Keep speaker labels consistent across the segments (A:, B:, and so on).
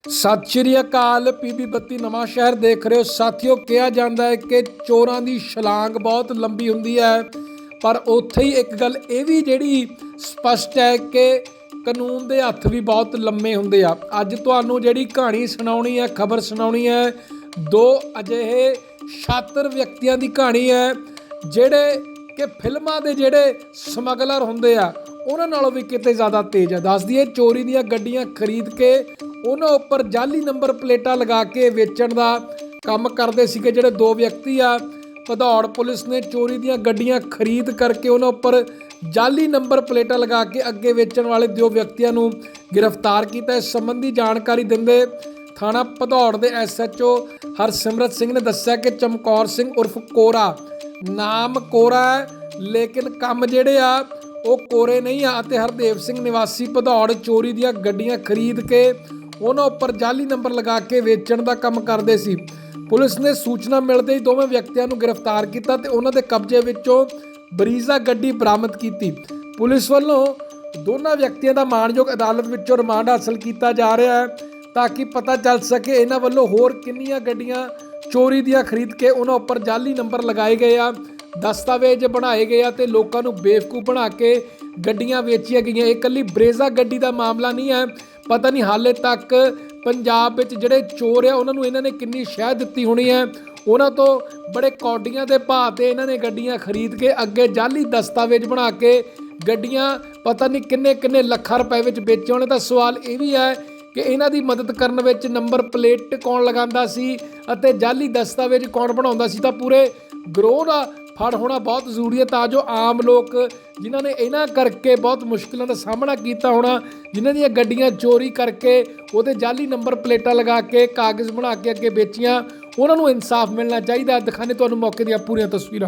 A: ਸਤਿ ਸ਼੍ਰੀ ਅਕਾਲ। ਪੀਬੀ 32 ਨਵਾਂ ਸ਼ਹਿਰ ਦੇਖ ਰਹੇ ਹੋ ਸਾਥੀਓ। ਕਿਹਾ ਜਾਂਦਾ ਹੈ ਕਿ ਚੋਰਾਂ ਦੀ ਛਲਾਂਗ ਬਹੁਤ ਲੰਬੀ ਹੁੰਦੀ ਹੈ, ਪਰ ਉੱਥੇ ਹੀ ਇੱਕ ਗੱਲ ਇਹ ਵੀ ਜਿਹੜੀ ਸਪਸ਼ਟ ਹੈ ਕਿ ਕਾਨੂੰਨ ਦੇ ਹੱਥ ਵੀ ਬਹੁਤ ਲੰਮੇ ਹੁੰਦੇ ਆ। ਅੱਜ ਤੁਹਾਨੂੰ ਜਿਹੜੀ ਕਹਾਣੀ ਸੁਣਾਉਣੀ ਹੈ, ਖਬਰ ਸੁਣਾਉਣੀ ਹੈ, ਦੋ ਅਜਿਹੇ ਸ਼ਾਤਰ ਵਿਅਕਤੀਆਂ ਦੀ ਕਹਾਣੀ ਹੈ ਜਿਹੜੇ ਕਿ ਫਿਲਮਾਂ ਦੇ ਜਿਹੜੇ ਸਮਗਲਰ ਹੁੰਦੇ ਆ ਉਹਨਾਂ ਨਾਲੋਂ ਵੀ ਕਿਤੇ ਜ਼ਿਆਦਾ ਤੇਜ਼ ਆ। ਦੱਸ ਦਈਏ, ਚੋਰੀ ਦੀਆਂ ਗੱਡੀਆਂ ਖਰੀਦ ਕੇ ਉਹਨਾਂ ਉੱਪਰ ਜਾਲੀ ਨੰਬਰ ਪਲੇਟਾਂ ਲਗਾ ਕੇ ਵੇਚਣ ਦਾ ਕੰਮ ਕਰਦੇ ਸੀਗੇ ਜਿਹੜੇ ਦੋ ਵਿਅਕਤੀ ਆ। ਭਦੌੜ ਪੁਲਿਸ ਨੇ ਚੋਰੀ ਦੀਆਂ ਗੱਡੀਆਂ ਖਰੀਦ ਕਰਕੇ ਉਹਨਾਂ ਉੱਪਰ ਜਾਲੀ ਨੰਬਰ ਪਲੇਟਾਂ ਲਗਾ ਕੇ ਅੱਗੇ ਵੇਚਣ ਵਾਲੇ ਦੋ ਵਿਅਕਤੀਆਂ ਨੂੰ ਗ੍ਰਿਫਤਾਰ ਕੀਤਾ। ਇਸ ਸੰਬੰਧੀ ਜਾਣਕਾਰੀ ਦਿੰਦੇ ਥਾਣਾ ਭਦੌੜ ਦੇ SHO ਹਰਸਿਮਰਤ ਸਿੰਘ ਨੇ ਦੱਸਿਆ ਕਿ ਚਮਕੌਰ ਸਿੰਘ ਉਰਫ ਕੋਰਾ, ਨਾਮ ਕੋਰਾ ਹੈ ਲੇਕਿਨ ਕੰਮ ਜਿਹੜੇ ਆ ਉਹ ਕੋਰੇ ਨਹੀਂ ਆ, ਅਤੇ ਹਰਦੇਵ ਸਿੰਘ ਨਿਵਾਸੀ ਭਦੌੜ ਚੋਰੀ ਦੀਆਂ ਗੱਡੀਆਂ ਖਰੀਦ ਕੇ ਉਹਨਾਂ ਉੱਪਰ ਜਾਲੀ ਨੰਬਰ ਲਗਾ ਕੇ ਵੇਚਣ ਦਾ ਕੰਮ ਕਰਦੇ ਸੀ। ਪੁਲਿਸ ਨੇ ਸੂਚਨਾ ਮਿਲਦੇ ਹੀ ਦੋਵੇਂ ਵਿਅਕਤੀਆਂ ਨੂੰ ਗ੍ਰਿਫਤਾਰ ਕੀਤਾ ਤੇ ਉਹਨਾਂ ਦੇ ਕਬਜ਼ੇ ਵਿੱਚੋਂ ਬਰੀਜ਼ਾ ਗੱਡੀ ਬਰਾਮਦ ਕੀਤੀ। ਪੁਲਿਸ ਵੱਲੋਂ ਦੋਨਾਂ ਵਿਅਕਤੀਆਂ ਦਾ ਮਾਣਯੋਗ ਅਦਾਲਤ ਵਿੱਚੋਂ ਰਿਮਾਂਡ ਹਾਸਲ ਕੀਤਾ ਜਾ ਰਿਹਾ ਹੈ ਤਾਂ ਕਿ ਪਤਾ ਚੱਲ ਸਕੇ ਇਹਨਾਂ ਵੱਲੋਂ ਹੋਰ ਕਿੰਨੀਆਂ ਗੱਡੀਆਂ ਚੋਰੀ ਦੀਆਂ ਖਰੀਦ ਕੇ ਉਹਨਾਂ ਉੱਪਰ ਜਾਲੀ ਨੰਬਰ ਲਗਾਏ ਗਏ ਆ, ਦਸਤਾਵੇਜ਼ ਬਣਾਏ ਗਏ ਆ ਤੇ ਲੋਕਾਂ ਨੂੰ ਬੇਵਕੂਫ ਬਣਾ ਕੇ ਗੱਡੀਆਂ ਵੇਚੀਆਂ ਗਈਆਂ। ਇਹ ਇਕੱਲੀ ਬਰੇਜ਼ਾ ਗੱਡੀ ਦਾ ਮਾਮਲਾ ਨਹੀਂ ਹੈ। ਪਤਾ ਨਹੀਂ ਹਾਲੇ ਤੱਕ ਪੰਜਾਬ ਵਿੱਚ ਜਿਹੜੇ ਚੋਰ ਆ ਉਹਨਾਂ ਨੂੰ ਇਹਨਾਂ ਨੇ ਕਿੰਨੀ ਸ਼ਹਿ ਦਿੱਤੀ ਹੋਣੀ ਹੈ। ਉਹਨਾਂ ਤੋਂ ਬੜੇ ਕੌਡੀਆਂ ਦੇ ਭਾਅ ਤੇ ਇਹਨਾਂ ਨੇ ਗੱਡੀਆਂ ਖਰੀਦ ਕੇ ਅੱਗੇ ਜਾਲੀ ਦਸਤਾਵੇਜ਼ ਬਣਾ ਕੇ ਗੱਡੀਆਂ ਪਤਾ ਨਹੀਂ ਕਿੰਨੇ ਕਿੰਨੇ ਲੱਖਾਂ ਰੁਪਏ ਵਿੱਚ ਵੇਚੇ ਹੋਣੇ। ਤਾਂ ਸਵਾਲ ਇਹ ਵੀ ਹੈ ਕਿ ਇਹਨਾਂ ਦੀ ਮਦਦ ਕਰਨ ਵਿੱਚ ਨੰਬਰ ਪਲੇਟ ਕੌਣ ਲਗਾਉਂਦਾ ਸੀ ਅਤੇ ਜਾਲੀ ਦਸਤਾਵੇਜ਼ ਕੌਣ ਬਣਾਉਂਦਾ ਸੀ। ਤਾਂ ਪੂਰੇ ਗਰੋਹ ਦਾ ਫੜ ਹੋਣਾ ਬਹੁਤ ਜ਼ਰੂਰੀ ਹੈ ਤਾਂ ਜੋ ਆਮ ਲੋਕ ਜਿਨ੍ਹਾਂ ਨੇ ਇਹਨਾਂ ਕਰਕੇ ਬਹੁਤ ਮੁਸ਼ਕਿਲਾਂ ਦਾ ਸਾਹਮਣਾ ਕੀਤਾ ਹੋਣਾ, ਜਿਨ੍ਹਾਂ ਦੀਆਂ ਗੱਡੀਆਂ ਚੋਰੀ ਕਰਕੇ ਉਹਦੇ ਜਾਲੀ ਨੰਬਰ ਪਲੇਟਾਂ ਲਗਾ ਕੇ ਕਾਗਜ਼ ਬਣਾ ਕੇ ਅੱਗੇ ਵੇਚੀਆਂ, ਉਹਨਾਂ ਨੂੰ ਇਨਸਾਫ ਮਿਲਣਾ ਚਾਹੀਦਾ। ਦਿਖਾਣੇ ਤੁਹਾਨੂੰ ਮੌਕੇ ਦੀਆਂ ਪੂਰੀਆਂ ਤਸਵੀਰਾਂ।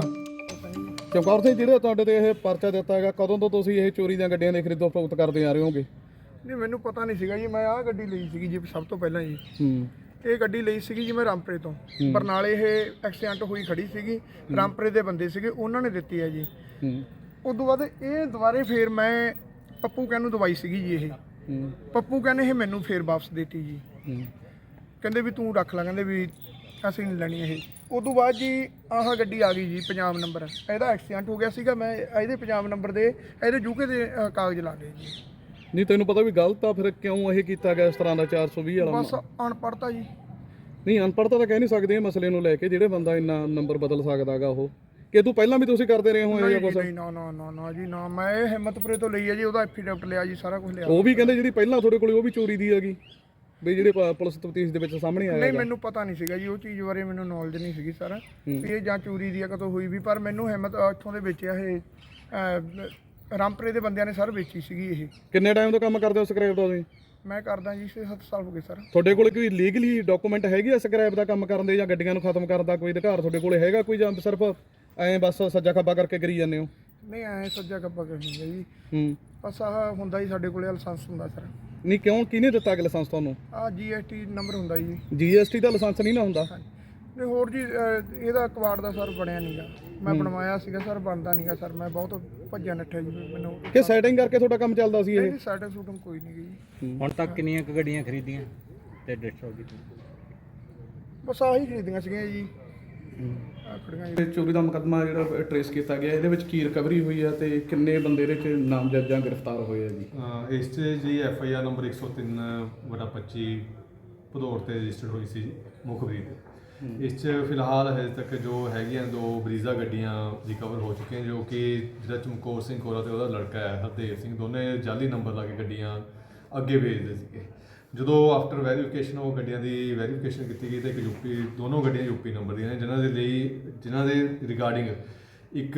B: ਚਮਕੌਰ ਸਿੰਘ, ਜਿਹੜੇ ਤੁਹਾਡੇ ਤੇ ਇਹ ਪਰਚਾ ਦਿੱਤਾ ਹੈਗਾ, ਕਦੋਂ ਤੋਂ ਤੁਸੀਂ ਇਹ ਚੋਰੀ ਦੀਆਂ ਗੱਡੀਆਂ ਦੇ ਖਰੀਦੋ ਫਰੋਖਤ ਕਰਦੇ ਆ ਰਹੇ ਹੋਗੇ?
C: ਨਹੀਂ, ਮੈਨੂੰ ਪਤਾ ਨਹੀਂ ਸੀਗਾ ਜੀ। ਮੈਂ ਆਹ ਗੱਡੀ ਲਈ ਸੀਗੀ ਜੀ ਸਭ ਤੋਂ ਪਹਿਲਾਂ ਜੀ। ਇਹ ਗੱਡੀ ਲਈ ਸੀਗੀ ਜੀ ਮੈਂ ਰਾਮਪੁਰੇ ਤੋਂ। ਬਰਨਾਲੇ ਇਹ ਐਕਸੀਡੈਂਟ ਹੋਈ ਖੜੀ ਸੀਗੀ, ਰਾਮਪੁਰੇ ਦੇ ਬੰਦੇ ਸੀਗੇ, ਉਹਨਾਂ ਨੇ ਦਿੱਤੀ ਹੈ ਜੀ। ਉਸ ਤੋਂ ਬਾਅਦ ਇਹ ਦੁਬਾਰੇ ਫੇਰ ਮੈਂ ਪੱਪੂ ਕਹਿਣ ਨੂੰ ਦਵਾਈ ਸੀਗੀ ਜੀ। ਇਹ ਪੱਪੂ ਕਹਿੰਦੇ ਇਹ ਮੈਨੂੰ ਫੇਰ ਵਾਪਸ ਦੇਤੀ ਜੀ। ਕਹਿੰਦੇ ਵੀ ਤੂੰ ਰੱਖ ਲੈ, ਕਹਿੰਦੇ ਵੀ ਅਸੀਂ ਨਹੀਂ ਲੈਣੀ ਇਹ। ਉਸ ਤੋਂ ਬਾਅਦ ਜੀ ਆਹ ਗੱਡੀ ਆ ਗਈ ਜੀ, ਪੰਜਾਬ ਨੰਬਰ। ਇਹਦਾ ਐਕਸੀਡੈਂਟ ਹੋ ਗਿਆ ਸੀਗਾ, ਮੈਂ ਇਹਦੇ ਪੰਜਾਬ ਨੰਬਰ ਦੇ ਇਹਦੇ ਯੂਕੇ ਦੇ ਕਾਗਜ਼ ਲਾ ਲਏ ਜੀ।
B: ਨਹੀਂ, ਤੈਨੂੰ ਪਤਾ ਵੀ ਗਲਤ ਆ, ਫਿਰ ਕਿਉਂ ਇਹ ਕੀਤਾ ਗਿਆ ਇਸ ਤਰ੍ਹਾਂ ਦਾ 420 ਵਾਲਾ?
C: ਬਸ ਅਨਪੜ੍ਹਤਾ ਜੀ।
B: ਨਹੀਂ, ਅਨਪੜ੍ਹਤਾ ਤਾਂ ਕਹਿ ਨਹੀਂ ਸਕਦੇ ਇਹ ਮਸਲੇ ਨੂੰ ਲੈ ਕੇ। ਜਿਹੜੇ ਬੰਦਾ ਇੰਨਾ ਨੰਬਰ ਬਦਲ ਸਕਦਾਗਾ ਉਹ, ਕਿ ਤੂੰ ਪਹਿਲਾਂ ਵੀ ਤੁਸੀਂ ਕਰਦੇ ਰਹੇ ਹੋ ਇਹ ਜਾਂ ਕੁਝ?
C: ਨਹੀਂ, ਨਾ ਨਾ ਨਾ ਨਾ ਜੀ ਨਾ। ਮੈਂ ਇਹ ਹਿੰਮਤਪੁਰੇ ਤੋਂ ਲਈ ਹੈ ਜੀ, ਉਹਦਾ ਐਫੀਡੈਵਿਟ ਲਿਆ ਜੀ, ਸਾਰਾ ਕੁਝ ਲਿਆ।
B: ਉਹ ਵੀ ਕਹਿੰਦੇ ਜਿਹੜੀ ਪਹਿਲਾਂ ਤੁਹਾਡੇ ਕੋਲ ਉਹ ਵੀ ਚੋਰੀ ਦੀ ਹੈਗੀ, ਵੀ ਜਿਹੜੇ ਪੁਲਿਸ ਤਫਤੀਸ਼ ਦੇ ਵਿੱਚ ਸਾਹਮਣੇ ਆਇਆ?
C: ਨਹੀਂ, ਮੈਨੂੰ ਪਤਾ ਨਹੀਂ ਸੀਗਾ ਜੀ, ਉਹ ਚੀਜ਼ ਬਾਰੇ ਮੈਨੂੰ ਨੌਲੇਜ ਨਹੀਂ ਸੀਗੀ ਸਾਰਾ ਇਹ ਜਾਂ ਚੋਰੀ ਦੀ ਆ ਕਦੋਂ ਹੋਈ ਵੀ। ਪਰ ਮੈਨੂੰ ਹਿੰਮਤ ਇੱਥੋਂ ਦੇ ਵੇਚਿਆ ਇਹ ਰਾਮਪੁਰੇ ਦੇ ਬੰਦਿਆਂ ਨੇ ਸਰ ਵੇਚੀ ਸੀਗੀ ਇਹ।
B: ਕਿੰਨੇ ਟਾਈਮ ਤੋਂ ਕੰਮ ਕਰਦੇ ਹੋ ਸਕ੍ਰੈਪ ਦਾ ਤੁਸੀਂ?
C: ਮੈਂ ਕਰਦਾ ਜੀ 6-7 ਸਾਲ ਹੋ ਗਏ ਸਰ।
B: ਤੁਹਾਡੇ ਕੋਲ ਕੋਈ ਲੀਗਲੀ ਡਾਕੂਮੈਂਟ ਹੈਗੀ ਆ ਸਕ੍ਰੈਪ ਦਾ ਕੰਮ ਕਰਨ ਦੇ, ਜਾਂ ਗੱਡੀਆਂ ਨੂੰ ਖਤਮ ਕਰਨ ਦਾ ਕੋਈ ਅਧਿਕਾਰ ਤੁਹਾਡੇ ਕੋਲ ਹੈਗਾ ਕੋਈ, ਜਾਂ ਸਿਰਫ ਐਂ ਬਸ ਸੱਜਾ ਖੱਬਾ ਕਰਕੇ ਕਰੀ ਜਾਂਦੇ ਹੋ?
C: ਨਹੀਂ, ਐ ਸੱਜਾ ਖੱਬਾ ਕਰੀ ਜੀ। ਬਸ ਆਹ ਹੁੰਦਾ ਜੀ ਸਾਡੇ ਕੋਲੇ ਲਾਇਸੈਂਸ ਹੁੰਦਾ ਸਰ।
B: ਨਹੀਂ, ਕਿਉਂ, ਕਿਹਨੇ ਦਿੱਤਾ ਕਿ ਲਾਇਸੈਂਸ ਤੁਹਾਨੂੰ?
C: ਆਹ GST ਨੰਬਰ ਹੁੰਦਾ ਜੀ।
B: GST ਦਾ ਲਾਇਸੈਂਸ ਨਹੀਂ ਨਾ ਹੁੰਦਾ?
C: ਨਹੀਂ, ਹੋਰ ਜੀ ਇਹਦਾ ਕਵਾੜ ਦਾ ਸਰ ਬਣਿਆ ਨਹੀਂਗਾ। ਮੈਂ ਬਣਵਾਇਆ ਸੀਗਾ ਸਰ, ਬਣਦਾ ਨਹੀਂਗਾ ਸਰ। ਮੈਂ ਬਹੁਤ ਭੱਜਿਆ ਨੱਠਿਆ ਜੀ। ਮੈਨੂੰ
B: ਕਿ ਸੈਟਿੰਗ ਕਰਕੇ ਤੁਹਾਡਾ ਕੰਮ ਚੱਲਦਾ ਸੀ ਇਹ?
C: ਨਹੀਂ, ਸੈਟਿੰਗ ਸੂਟਿੰਗ ਕੋਈ ਨਹੀਂ ਜੀ।
D: ਹੁਣ ਤੱਕ ਕਿੰਨੀਆਂ ਕੁ ਗੱਡੀਆਂ ਖਰੀਦੀਆਂ ਤੇ ਡਿਸਟ੍ਰੋ ਕੀਤੀਆਂ?
C: ਬਸ ਆਹੀ ਖਰੀਦੀਆਂ ਸੀਗੀਆਂ ਜੀ। ਆਹ ਖੜੀਆਂ ਜੀ।
B: ਚੋਰੀ ਦਾ ਮੁਕੱਦਮਾ ਜਿਹੜਾ ਟਰੇਸ ਕੀਤਾ ਗਿਆ, ਇਹਦੇ ਵਿੱਚ ਕੀ ਰਿਕਵਰੀ ਹੋਈ ਹੈ ਤੇ ਕਿੰਨੇ ਬੰਦੇ ਇਹਦੇ ਚ ਨਾਮਜ਼ਦ ਜਾਂ ਗ੍ਰਿਫਤਾਰ ਹੋਏ ਆ ਜੀ?
E: ਇਸ 'ਚ ਜੀ FIR ਨੰਬਰ 103/25 ਭਦੌੜ ਤੇ ਰਜਿਸਟਰਡ ਹੋਈ ਸੀ ਜੀ, ਮੁਖਬਰੀ ਤੇ। ਇਸ 'ਚ ਫਿਲਹਾਲ ਹਜੇ ਤੱਕ ਜੋ ਹੈਗੀਆਂ 2 ਬਰੀਜ਼ਾ ਗੱਡੀਆਂ ਰਿਕਵਰ ਹੋ ਚੁੱਕੀਆਂ, ਜੋ ਕਿ ਜਿਹੜਾ ਚਮਕੌਰ ਸਿੰਘ ਕੋਰਾ ਤੇ ਉਹਦਾ ਲੜਕਾ ਹੈ ਹਰਦੇਵ ਸਿੰਘ, ਦੋਨੇ ਜਾਲੀ ਨੰਬਰ ਲਾ ਕੇ ਗੱਡੀਆਂ ਅੱਗੇ ਵੇਚਦੇ ਸੀਗੇ। ਜਦੋਂ ਆਫਟਰ ਵੈਰੀਫਿਕੇਸ਼ਨ ਉਹ ਗੱਡੀਆਂ ਦੀ ਵੈਰੀਫਿਕੇਸ਼ਨ ਕੀਤੀ ਗਈ ਤਾਂ ਇੱਕ ਦੋਨੋਂ ਗੱਡੀਆਂ UP ਨੰਬਰ ਦੀਆਂ ਨੇ, ਜਿਨ੍ਹਾਂ ਦੇ ਰਿਗਾਰਡਿੰਗ ਇੱਕ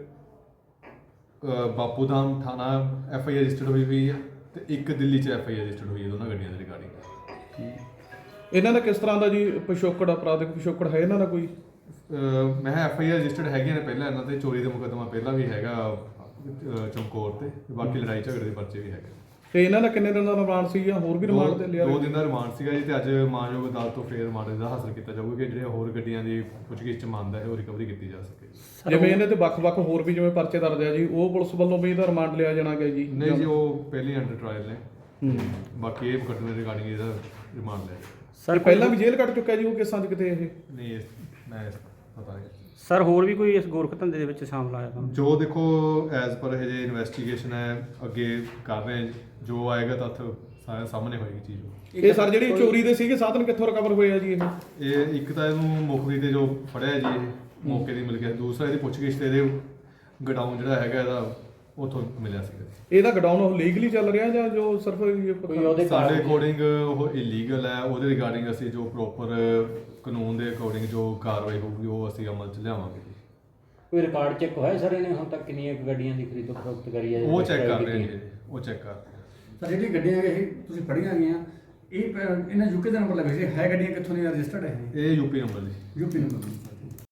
E: ਬਾਪੂ ਧਾਮ ਥਾਣਾ FIR ਰਜਿਸਟਰਡ ਹੋਈ ਹੈ ਤੇ ਇੱਕ ਦਿੱਲੀ 'ਚ FIR ਰਜਿਸਟਰਡ ਹੋਈ ਹੈ ਦੋਨਾਂ ਗੱਡੀਆਂ ਦੇ ਰਿਗਾਰਡਿੰਗ।
B: ਇਹਨਾਂ ਦਾ ਕਿਸ ਤਰ੍ਹਾਂ ਦਾ ਜੀ ਪਿਛੋਕੜ, ਅਪਰਾਧਿਕ ਪਿਛੋਕੜ ਹੈ ਇਹਨਾਂ ਦਾ ਕੋਈ?
E: ਮੈਂ FIR ਰਜਿਸਟਰਡ ਹੈਗੀਆਂ ਨੇ ਪਹਿਲਾਂ ਇਹਨਾਂ ਤੇ, ਚੋਰੀ ਦਾ ਮੁਕੱਦਮਾ ਪਹਿਲਾਂ ਵੀ ਹੈਗਾ ਚਮਕੌਰ ਤੇ, ਬਾਕੀ ਲੜਾਈ ਝਗੜੇ ਦੇ ਪਰਚੇ ਵੀ ਹੈਗੇ।
B: ਤੇ ਇਹਨਾਂ ਦਾ ਕਿੰਨੇ ਦਿਨ ਦਾ ਰਿਮਾਂਡ ਸੀ ਜਾਂ ਹੋਰ ਵੀ ਰਿਮਾਂਡ ਤੇ ਲਿਆ?
E: 2 ਦਿਨ ਦਾ ਰਿਮਾਂਡ ਸੀਗਾ ਜੀ, ਤੇ ਅੱਜ ਮਾਨਯੋਗ ਅਦਾਲਤ ਤੋਂ ਫੇਰ ਰਿਮਾਂਡ ਦਾ ਹਾਸਲ ਕੀਤਾ ਜਾਊਗਾ ਕਿ ਜਿਹੜੇ ਹੋਰ ਗੱਡੀਆਂ ਦੀ ਪੁੱਛਗਿੱਛ 'ਚ ਮੰਨਦਾ ਹੈ ਉਹ ਰਿਕਵਰੀ ਕੀਤੀ ਜਾ ਸਕੇ।
B: ਜਿਵੇਂ ਇਹਨਾਂ ਤੇ ਵੱਖ-ਵੱਖ ਹੋਰ ਵੀ ਜਿਵੇਂ ਪਰਚੇ ਦਰਜ ਆ ਜੀ, ਉਹ ਪੁਲਿਸ ਵੱਲੋਂ ਵੀ ਇਹਦਾ ਰਿਮਾਂਡ ਲਿਆ ਜਾਣਾ ਗਿਆ ਜੀ?
E: ਨਹੀਂ ਜੀ, ਉਹ ਪਹਿਲੇ ਅੰਡਰ ਟਰਾਇਲ ਨੇ, ਬਾਕੀ ਇਹ ਮੁਕੱਦਮੇ ਰਿਗਾਰਡਿੰਗ ਇਹਦਾ ਰਿਮਾਂਡ ਲੈ
B: ਸਰ ਪਹਿਲਾਂ ਵੀ ਜੇਲ੍ਹ ਕੱਟ ਚੁੱਕਾ ਜੀ ਉਹ ਕੇਸਾਂ 'ਚ ਕਿਤੇ ਇਹ
E: ਨਹੀਂ ਮੈਂ ਪਤਾ ਨਹੀਂ
F: ਸਰ ਹੋਰ ਵੀ ਕੋਈ ਇਸ ਗੋਰਖ ਧੰਦੇ ਦੇ ਵਿੱਚ ਸ਼ਾਮਲ ਆਇਆ ਤਾਂ
E: ਜੋ ਦੇਖੋ ਐਜ਼ ਪਰ ਇਹ ਜੇ ਇਨਵੈਸਟੀਗੇਸ਼ਨ ਹੈ ਅੱਗੇ ਕਰ ਰਹੇ ਹਾਂ, ਜੋ ਆਏਗਾ ਤੱਥ ਸਾਰੇ ਸਾਹਮਣੇ ਹੋਏਗੀ ਚੀਜ਼।
B: ਇਹ ਸਰ ਜਿਹੜੀ ਚੋਰੀ ਦੇ ਸੀਗੇ ਸਾਧਨ ਕਿੱਥੋਂ ਰਿਕਵਰ ਹੋਏ ਆ ਜੀ
E: ਇਹ ਇੱਕ ਤਾਂ ਇਹਨੂੰ ਮੁਖਬਰੀ ਤੇ ਜੋ ਫੜਿਆ ਜੀ ਇਹ ਮੌਕੇ ਦੀ ਮਿਲ ਗਿਆ, ਦੂਸਰਾ ਇਹਦੀ ਪੁੱਛਗਿੱਛ ਤੇ ਇਹਦੇ ਗਡਾਊਨ ਜਿਹੜਾ ਹੈਗਾ ਇਹਦਾ ਉੱਥੋਂ ਮਿਲਿਆ ਸੀਗਾ।
B: ਇਹਦਾ ਗਡਾਊਨ ਉਹ ਲੀਗਲੀ ਚੱਲ ਰਿਹਾ ਜਾਂ ਜੋ ਸਿਰਫ
E: ਸਾਡੇ ਅਕੋਰਡਿੰਗ ਉਹ ਇਲੀਗਲ ਹੈ, ਉਹਦੇ ਰਿਗਾਰਡਿੰਗ ਅਸੀਂ ਜੋ ਪ੍ਰੋਪਰ ਕਾਨੂੰਨ ਦੇ ਅਕੋਰਡਿੰਗ ਜੋ ਕਾਰਵਾਈ ਹੋਊਗੀ ਉਹ ਅਸੀਂ ਅਮਲ 'ਚ ਲਿਆਵਾਂਗੇ ਜੀ।
D: ਕੋਈ ਰਿਕਾਰਡ ਚੈੱਕ ਹੋਇਆ ਸਰ ਇਹਨੇ ਹੁਣ ਤੱਕ ਕਿੰਨੀਆਂ ਕੁ ਗੱਡੀਆਂ ਦੀ ਖਰੀਦੋ ਫਰੋਖਤ ਕਰੀ ਹੈ?
E: ਉਹ ਚੈੱਕ ਕਰ ਰਹੇ ਹਾਂ ਜੀ, ਉਹ ਚੈੱਕ ਕਰ ਰਹੇ ਹਾਂ।
G: ਸਰ ਜਿਹੜੀ ਗੱਡੀਆਂ ਇਹ ਤੁਸੀਂ ਫੜੀਆਂ ਗਈਆਂ ਇਹ ਇਹਨਾਂ ਯੂਕੇ ਦਾ ਨੰਬਰ ਲੱਗੇ ਸੀ, ਹੈ ਗੱਡੀਆਂ ਕਿੱਥੋਂ ਦੀਆਂ ਰਜਿਸਟਰਡ ਹੈ
E: ਇਹ ਯੂਪੀ ਨੰਬਰ ਜੀ।
G: UP number